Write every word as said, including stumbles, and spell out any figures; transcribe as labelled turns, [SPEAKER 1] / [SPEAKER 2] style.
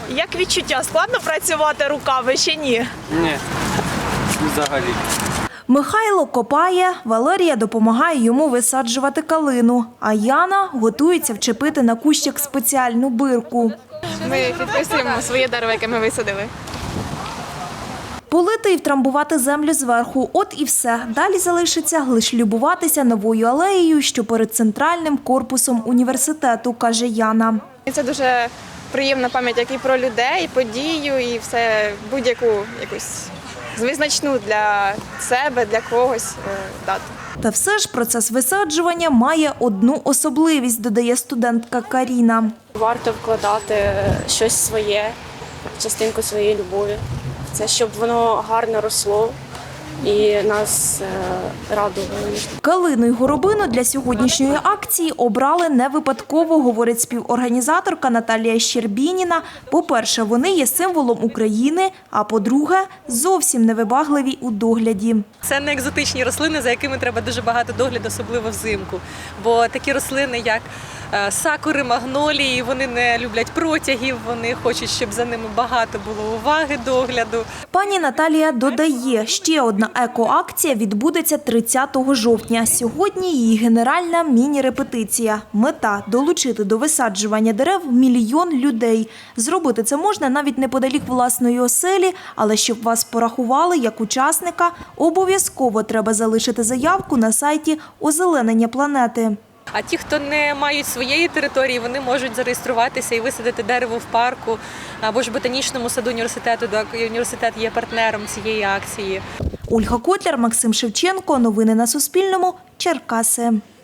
[SPEAKER 1] Як відчуття? Складно працювати руками чи ні?
[SPEAKER 2] Ні, взагалі.
[SPEAKER 1] Михайло копає, Валерія допомагає йому висаджувати калину, а Яна готується вчепити на кущик спеціальну бирку.
[SPEAKER 3] Ми підписуємо своє дерево, яке ми висадили.
[SPEAKER 1] Полити і втрамбувати землю зверху – от і все. Далі залишиться лише любуватися новою алеєю, що перед центральним корпусом університету, каже Яна.
[SPEAKER 3] І це дуже приємна пам'ять як і про людей, і подію, і все будь-яку якусь визначну для себе, для когось дату.
[SPEAKER 1] Та все ж процес висаджування має одну особливість, додає студентка Каріна.
[SPEAKER 4] Варто вкладати щось своє, частинку своєї любові. Це щоб воно гарно росло і нас радувало.
[SPEAKER 1] Калину й горобину для сьогоднішньої акції обрали не випадково, говорить співорганізаторка Наталія Щербініна. По-перше, вони є символом України, а по-друге, зовсім невибагливі у догляді.
[SPEAKER 5] Це не екзотичні рослини, за якими треба дуже багато догляду, особливо взимку. Бо такі рослини, як сакури, магнолії, вони не люблять протягів, вони хочуть, щоб за ними багато було уваги, догляду.
[SPEAKER 1] Пані Наталія додає, ще одна екоакція відбудеться тридцятого жовтня. Сьогодні її генеральна міні-репетиція. Мета – долучити до висаджування дерев мільйон людей. Зробити це можна навіть неподалік власної оселі, але щоб вас порахували як учасника, обов'язково треба залишити заявку на сайті «Озеленення планети».
[SPEAKER 5] А ті, хто не мають своєї території, вони можуть зареєструватися і висадити дерево в парку або ж ботанічному саду університету, так університет є партнером цієї акції.
[SPEAKER 1] Ольга Котляр, Максим Шевченко. Новини на Суспільному. Черкаси.